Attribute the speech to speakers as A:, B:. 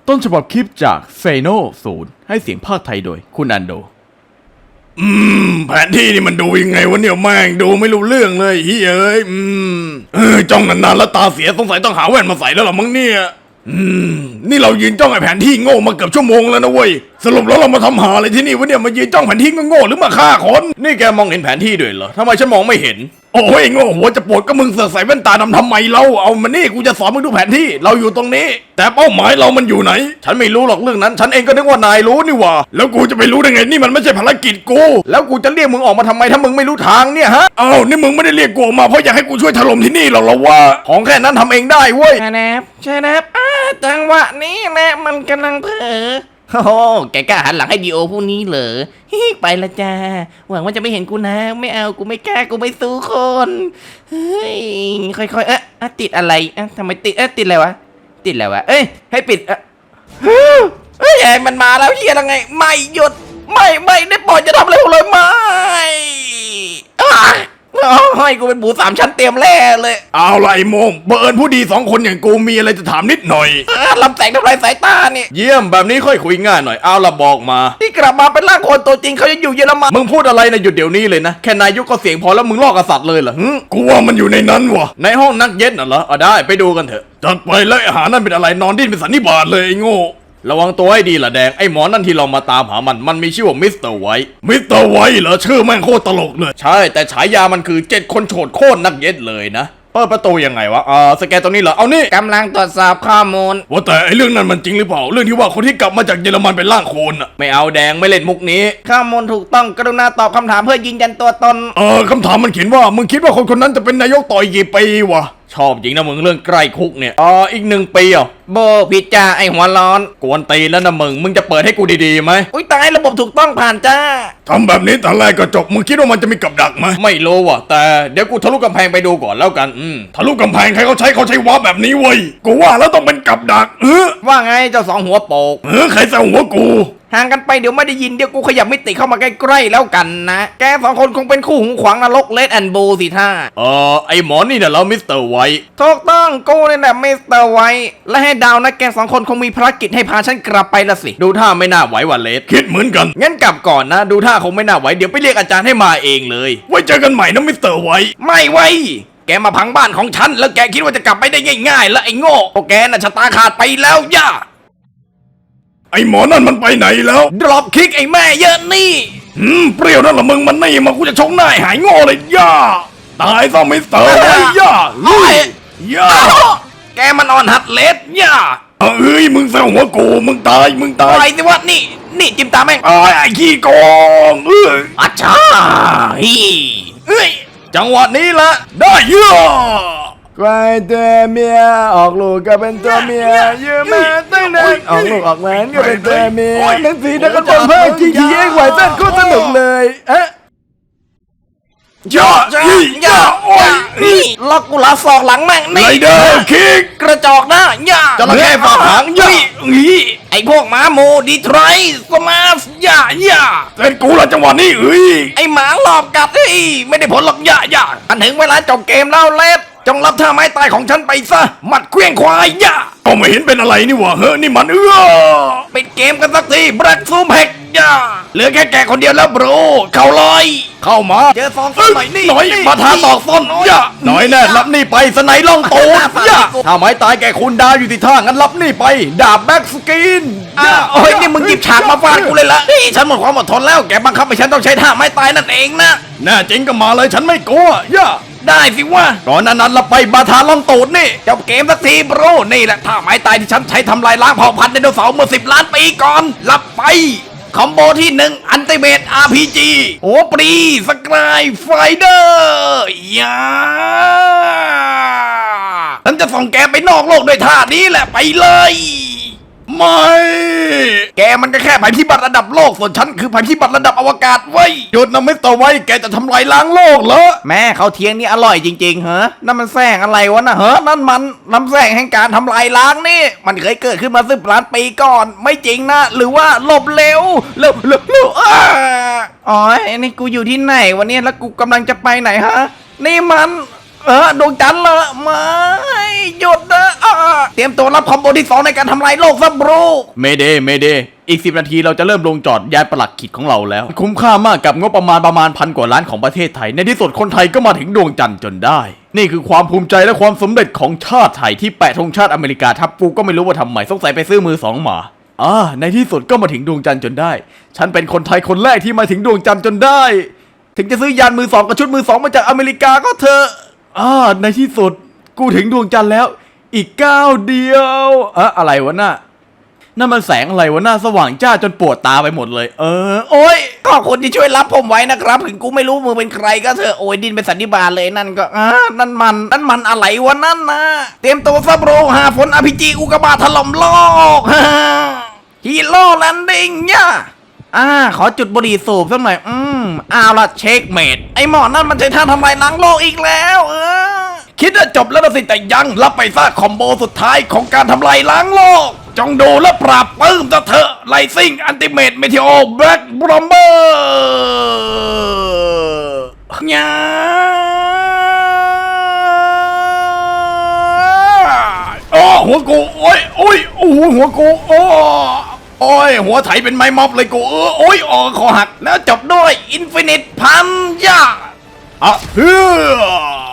A: ต้นฉบับคลิปจากเซโนศูนย์ให้เสียงภาคไทยโดยคุณอันโด
B: แผนที่นี่มันดูยังไงวะเนี่ยแม่งดูไม่รู้เรื่องเลยเฮ้ยจ้องนานๆแล้วตาเสียสงสัยต้องหาแว่นมาใส่แล้วหรอมั้งเนี่ยนี่เรายืนจ้องไอ้แผนที่โง่มาเกือบชั่วโมงแล้วนะเว้ยสรุปแล้วเรามาทำหาอะไรที่นี่วะเนี่ยมายืนจ้องแผนที่โง่หรือมาฆ่าคน
A: นี่แกมองเห็นแผนที่ด้วยเหรอทำไมฉันมองไม่เห็น
B: โอ้ยโง่หัวจะปวดก็มึงเสือกใส่แว่นตาดำทำไมเราเอามานี่กูจะสอนมึงดูแผนที่เราอยู่ตรงนี้แต่เป้าหมายเรามันอยู่ไหน
A: ฉันไม่รู้หรอกเรื่องนั้นฉันเองก็นึกว่านายรู้นี่หว่า
B: แล้วกูจะไปรู้ได้ไงนี่มันไม่ใช่ภารกิจกู
A: แล้วกูจะเรียกมึงออกมาทำไมถ้ามึงไม่รู้ทางเนี่ยฮะ
B: นี่มึงไม่ได้เรียกกูออกมาเพราะอยากให้กูช่วยถล่มที่นี่หรอกเหรอวะ
A: ของแค่นั้นทำเองได้เว้ย
C: ใช่นะจังหวะนี้แหละมันกำลังเผลอโอ้แกกล้าหันหลังให้ดีโอผู้นี้เหรอไปละจ้าหวังว่าจะไม่เห็นกูนะไม่เอากูไม่กล้ากูไม่สู้คนเฮ้ยค่อยๆติดอะไรทำไมติดติดอะไรวะติดอะไรวะให้ปิดไอ้มันมาแล้วเฮียยังไงไม่หยุดไม่ได้ปล่อยจะทำอะไรเลยไม่ให้กูเป็นหมูสามชั้นเตรียมแร่เลย
B: เอาละไอ้โมงเบิร์นผู้ดี2 คนอย่างกูมีอะไรจะถามนิดหน่อย
C: ลำแสงทำลายสายตาเนี่ย
A: เยี่ยมแบบนี้ค่อยคุยง่ายหน่อยเอาละบอกมา
C: ที่กลับมาเป็นร่างคนตัวจริงเขายังอยู่เยอรมัน
A: มึงพูดอะไรนะหยุดเดี๋ยวนี้เลยนะแค่นายยุก็เสียงพอแล้วมึงลอกกษัตริย์เลยเหรอ
B: กูว่ามันอยู่ในนั้นวะ
A: ในห้องนักเย็ดน่ะเหรอได้ไปดูกันเถอะ
B: จัดไปเลยอาหารนั่นเป็นอะไรนอนดิ้นเป็นสันนิบาตเลยไอ้โง่
A: ระวังตัวให้ดีล่ะแดงไอ้หมอนั่นที่เรามาตามหามันมีชื่อว่ามิสเตอร์ไวท์
B: เหรอชื่อแม่งโคตรตลกเลย
A: ใช่แต่ฉายามันคือ7 คนโฉดโคตรนักเย็ดเลยนะเปิดประตูยังไงวะสแกนตรงนี้เหรอเอานี่
C: กำลังตรวจสอบข้อมูล
B: ว่าแต่ไอ้เรื่องนั้นมันจริงหรือเปล่าเรื่องที่ว่าคนที่กลับมาจากเยอรมันเป็นร่างโคลน
A: ไม่เอาแดงไม่เล่นมุกนี้
C: ข้อมูลถูกต้องกรุณาตอบคำถามเพื่อยืนยันตัวตน
B: คำถามมันเขียนว่ามึงคิดว่าคนนั้นจะเป็นนายกต่ออีกกี่ปีวะ
A: ชอบจริงนะมึงเรื่องใกล้คุกเนี่ยอีก1 ปี
C: โบผิดจ้าไอหัวร้อน
A: กวนตีแล้วนะมึงจะเปิดให้กูดีๆไหม
C: อุ้ยตายระบบถูกต้องผ่านจ้า
B: ทำแบบนี้แต่แรกก็จบมึงคิดว่ามันจะมีกับดักไหม
A: ไม่รู้ว่ะแต่เดี๋ยวกูทะลุกำแพงไปดูก่อนแล้วกัน
B: ทะลุกำแพงใครเขาใช้วาร์ปแบบนี้เว้ยกูว่าแล้วต้องเป็นกับดัก
A: ว่าไงเจ้า2 หัวโปก
B: ใครใส่หัวกู
C: ห่างกันไปเดี๋ยวไม่ได้ยินเดี๋ยวกูขยับมิติเข้ามาใกล้ๆแล้วกันนะแก2 คนคงเป็นคู่หูขวางนรกเลดแอนด์โบสิท่า
A: ไอหมอนี่น่ะแล้วมิสเตอร์ไวท์
C: ถูกต้องกูนี่แหละมิสเตอร์ไวท์และให้ดาวนะแก2 คนคงมีภารกิจให้พาฉันกลับไปละสิ
A: ดูท่าไม่น่าไหวว่ะเลด
B: คิดเหมือนกัน
A: งั้นกลับก่อนนะดูท่าคงไม่น่าไหวเดี๋ยวไปเรียกอาจารย์ให้มาเองเลย
B: ไว้เจอกันใหม่นะมิสเตอร์ไวท์
C: ไม่ไว้แกมาพังบ้านของฉันแล้วแกคิดว่าจะกลับไปได้ง่ายๆแล้วไอ้โง่พวกแกน่ะชะตาขาดไปแล้วย่า
B: ไอ้หมอนั่นมันไปไหนแล้ว
C: ดรอปคิกไอ้แม่เยอะนี่
B: เปรี้ยวนั่นละมึงมันนี่มากูจะชกหน้าหายโง่เลยย่าตายซะมิสเตอร์ไวท์ย่าย่า
C: แกมันอ่อนหัดเลสย่า
B: มึงแซวหัวกูมึงตาย
C: ไปสิวะนี่จิ้มตาแม่ง
B: ไอ้ขี้โกง
C: อาชา
A: จังหวะนี้ละ
B: ได้ย่า
A: ใครตัวเมียออกลูกก็เป็นตัวเมียยืมมาตั้งนานออกลูกออกแหวนก็เป็นตัวเมียหนังสือนักกระตุ้นเพิ่มGTA ไหวเต้นก็สนุกเลย
B: ย่าโอ้ย
C: ล็อกกูลาศอกหลังแม่ง
B: นี่ไรเดอร์คิก
C: กระจอกนะย่า
A: จระเข้ฝากหางย่า
C: ไอพวกหมาโมดีทรอยสมาสย่า
B: เล่นกูละจังหวะนี้
C: ไอหมาหลอกกัดไม่ได้ผลหรอกย่าอันถึงเวลาจบเกมแล้วเลสจงรับท่าไม้ตายของฉันไปซะหมัดเคลื่องควายย่า
B: ก็ไม่เห็นเป็นอะไรนี่หว่านี่มัน
C: ปิดเกมกันสักทีแบล็กซูมแฮกย่าเหลือแค่แกคนเดียวแล้วบรูเข้าเลย
A: เข้ามา
C: เจอซองส้นหน่อยนี่
A: มาท้าตอกส้นย่าหน่อยแน่รับนี่ไปสไนล่องตูดย่าถ้าไม้ตายแกคุณดาวอยู่ที่ท่างั้นรับนี่ไปดาบแบ็กสกิน
C: โอ้ยนี่มึงหยิบฉากมาฟาดกูเลยละฉันหมดความอดทนแล้วแกบังคับให้ฉันต้องใช้ท่าไม้ตายนั่นเองนะ
B: แน่จริงก็มาเลยฉันไม่กลัวย่า
C: ได้สิวะ
A: ก่อนนั้นเราไปบาทาล่องตูดนี่
C: จบเกมสักทีบรูนี่แหละท่าไม้ตายที่ฉันใช้ทำลายล้างเผ่าพันธุ์ไดโนเสาร์เมื่อ10 ล้านปีก่อนรับไปคอมโบที่1อันติเมต RPG โอปรีสกายไฟเดอร์ฉันจะส่งแกไปนอกโลกด้วยท่านี้แหละไปเลย
B: ไม่
C: แกมันก็แค่ภัยพิบัติระดับโลกส่วนฉันคือภัยพิบัติระดับอวกาศเว้ย
B: หยุดนะมิสเตอร์ไวท์แกจะทำลายล้างโลกเหรอ
C: แม่เขาเทียงนี่อร่อยจริงๆเหรอนั่นมันแสงอะไรวะนะนั่นมันน้ำแสงแห่งการทำลายล้างนี่มันเคยเกิดขึ้นมา10 ล้านปีก่อนไม่จริงนะหรือว่าหลบเร็วอ๋อนี่กูอยู่ที่ไหนวันนี้แล้วกูกำลังจะไปไหนฮะนี่มันดวงจันทร์เหรอไม่หยุดนะเตรียมตัวรับคอมโบที่2ในการทำลายโลกซะบรู
A: เมเดอีก10 นาทีเราจะเริ่มลงจอดยานประหลัดขิดของเราแล้ว คุ้มค่ามากกับงบประมาณพันกว่าล้านของประเทศไทย ในที่สุดคนไทยก็มาถึงดวงจันทร์จนได้ นี่คือความภูมิใจและความสำเร็จของชาติไทยที่แปะธงชาติอเมริกาทับกูก็ไม่รู้ว่าทำไมสงสัยไปซื้อมือ2มาในที่สุดก็มาถึงดวงจันทร์จนได้ ฉันเป็นคนไทยคนแรกที่มาถึงดวงจันทร์จนได้ ถึงจะซื้อยานมือ2กับชุดมือ2มาจากอเมริกาก็เถอะในที่สุดกูถึงดวงจันทร์แล้วอีกก้าวเดียวอะไรวะน่ะนั่นมันแสงอะไรวะหน้าสว่างจ้าจนปวดตาไปหมดเลยโอ้ย
C: ขอบคุณที่ช่วยรับผมไว้นะครับถึงกูไม่รู้มือเป็นใครก็เถอะโอ้ยดินเป็นสันนิบาตเลยนั่นก็นั่นมันอะไรวะนั่นนะเตรียมตัวซับโรหาฝนอภิจีอุกกาบาตถล่มโลกฮีโร่แลนดิ้งเนี่ยขอจุดบุหรี่สูบสักหน่อยเอาละเช็คเมดไอหมอนั่นมันใช้ท่าทำลายล้างโลกอีกแล้ว
B: คิดว่าจบแล้วนะสิแต่ยังรับไปซะคอมโบสุดท้ายของการทำลายล้างโลกจงดูและปราบปลื้มเถอะไลซิ่งอันติเมตเมทิโอแบล็กบรอมเบอร์ยาหัวกูโอ้ยหัวกูโอ้ยหัวไถเป็นไม้ม็อบเลยกูคอหักแล้วจบด้วยอินฟินิตพันยาเฮือ